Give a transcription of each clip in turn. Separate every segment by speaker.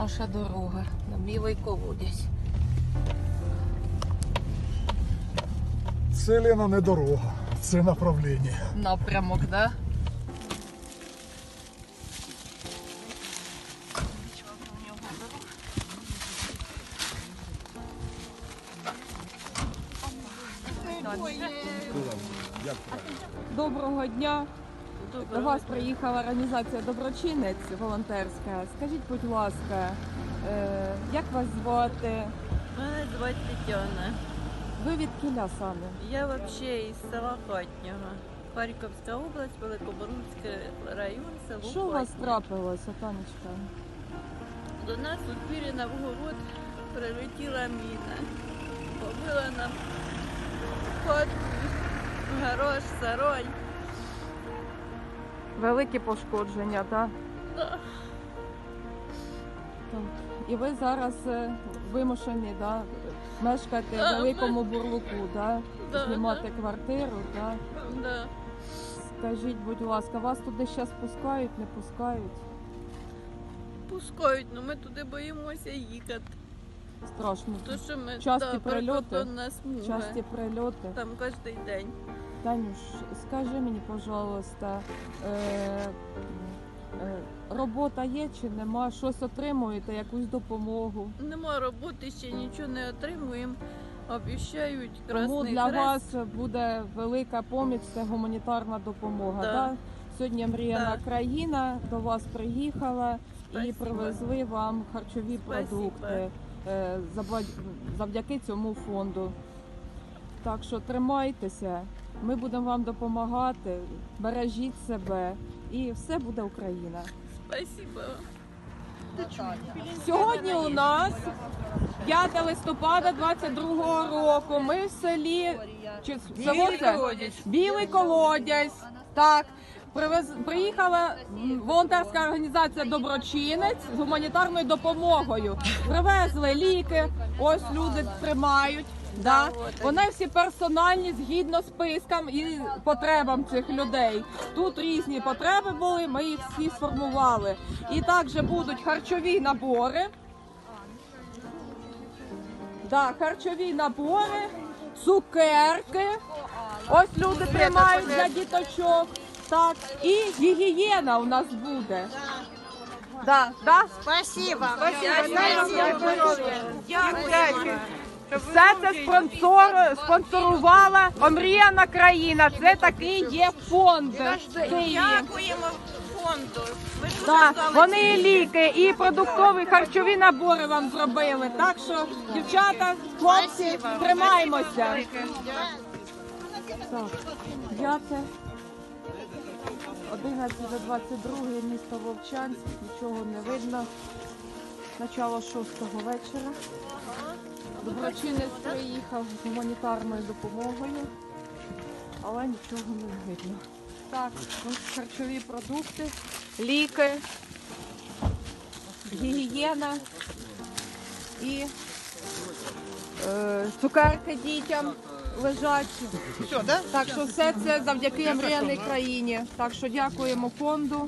Speaker 1: наша дорога на Білий Колодязь.
Speaker 2: Це, Лена, не дорога, це направлення.
Speaker 1: Напрямок, да?
Speaker 3: Доброго дня. До вас приїхала організація «Доброчинець» волонтерська. Скажіть, будь ласка, як вас звати?
Speaker 4: Мене звати Тетяна.
Speaker 3: Ви від кіля саме?
Speaker 4: Я взагалі із села Хатнього. Харківська область, Великоборунський район, село
Speaker 3: Що у вас
Speaker 4: Хатнє.
Speaker 3: трапилося, Танечка?
Speaker 4: До нас у двірі на вгород прилетіла міна. Побила нам хату, гараж, сарай.
Speaker 3: Великі пошкодження, так?
Speaker 4: Да.
Speaker 3: І ви зараз вимушені, да, мешкати в Великому Бурлуку, да?
Speaker 4: Да,
Speaker 3: Знімати квартиру, да?
Speaker 4: Да.
Speaker 3: Скажіть, будь ласка, вас туди зараз пускають, не пускають?
Speaker 4: Пускають, але ми туди боїмося їхати.
Speaker 3: Страшно.
Speaker 4: То, що ми,
Speaker 3: Часті прильоти?
Speaker 4: прикордонна смуга.
Speaker 3: Часті прильоти.
Speaker 4: Там кожен день.
Speaker 3: Танюш, скажи мені, пожалуйста, робота є чи нема? Щось отримуєте, якусь допомогу?
Speaker 4: Нема роботи, ще нічого не отримуємо. Обіцяють
Speaker 3: Тому
Speaker 4: Красний
Speaker 3: для
Speaker 4: Хрест.
Speaker 3: вас буде велика поміч, це гуманітарна допомога.
Speaker 4: Да.
Speaker 3: Да. Сьогодні мріяна
Speaker 4: Да.
Speaker 3: країна до вас приїхала і
Speaker 4: Спасибо.
Speaker 3: привезли вам харчові
Speaker 4: Спасибо.
Speaker 3: продукти завдяки цьому фонду. Так що тримайтеся, ми будемо вам допомагати, бережіть себе і все буде Україна.
Speaker 4: Спасибо.
Speaker 3: Сьогодні у нас 5 листопада 22-го року. Ми в селі село це? Білий Колодязь. Так. Приїхала волонтерська організація «Доброчинець» з гуманітарною допомогою. Привезли ліки, ось люди тримають. Да. Вони всі персональні, згідно спискам і потребам цих людей. Тут різні потреби були, ми їх всі сформували. І також будуть харчові набори. Да, харчові набори, цукерки. Ось люди тримають для діточок. Так, і гігієна у нас буде. Да, да?
Speaker 5: Спасибо.
Speaker 3: Все це спонсорувала омріяна країна. Це такий є фонд в Києві.
Speaker 5: Дякуємо фонду. Ми дуже
Speaker 3: Так,
Speaker 5: вдячні.
Speaker 3: вони ліки і продуктові харчові набори вам зробили. Так що, дівчата, хлопці, тримаємося. Так, 11:22, місто Вовчанськ, нічого не видно. Начало 6-го вечора. Доброчинець приїхав з гуманітарною допомогою, але нічого не видно. Так, ось харчові продукти, ліки, гігієна і цукерки дітям лежать.
Speaker 5: Все, да?
Speaker 3: Так що все це завдяки омріяній країні. Так що дякуємо фонду.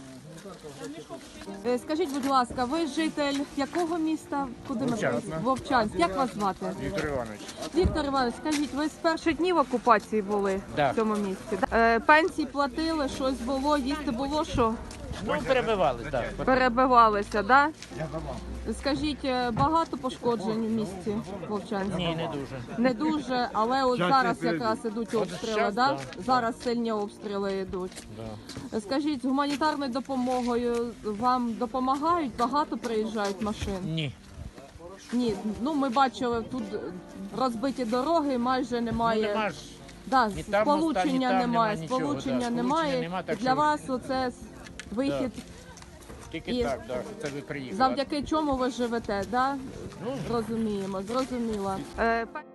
Speaker 3: Скажіть, будь ласка, ви житель якого міста? Куди ми приїхали? Вовчанськ. Як вас звати?
Speaker 6: Віктор Іванович.
Speaker 3: Віктор Іванович, скажіть, ви з перших днів окупації були
Speaker 6: Да.
Speaker 3: в цьому місті? Да? Пенсії платили, щось було, їсти було, що?
Speaker 6: Ну, перебивали, так.
Speaker 3: Перебивалися, так? Да? Скажіть, багато пошкоджень в місті Вовчанську?
Speaker 6: Ні, не дуже.
Speaker 3: Не дуже, але от зараз якраз ідуть обстріли,
Speaker 6: щас,
Speaker 3: да?
Speaker 6: да.
Speaker 3: Зараз сильні обстріли йдуть.
Speaker 6: Да.
Speaker 3: Скажіть, з гуманітарною допомогою вам допомагають? Багато приїжджають машин?
Speaker 6: Ні.
Speaker 3: Ні, ну ми бачили, тут розбиті дороги, майже немає.
Speaker 6: Ну, нема ж.
Speaker 3: Да,
Speaker 6: ні там моста, ні
Speaker 3: сполучення
Speaker 6: там
Speaker 3: немає,
Speaker 6: нема нічого,
Speaker 3: сполучення
Speaker 6: да,
Speaker 3: немає.
Speaker 6: сполучення нема, так
Speaker 3: Для
Speaker 6: що-
Speaker 3: вас оце вихід,
Speaker 6: Тільки
Speaker 3: І
Speaker 6: так, да, це ви приїхали.
Speaker 3: завдяки чому ви живете, да?
Speaker 6: Ну,
Speaker 3: Розуміємо, зрозуміло.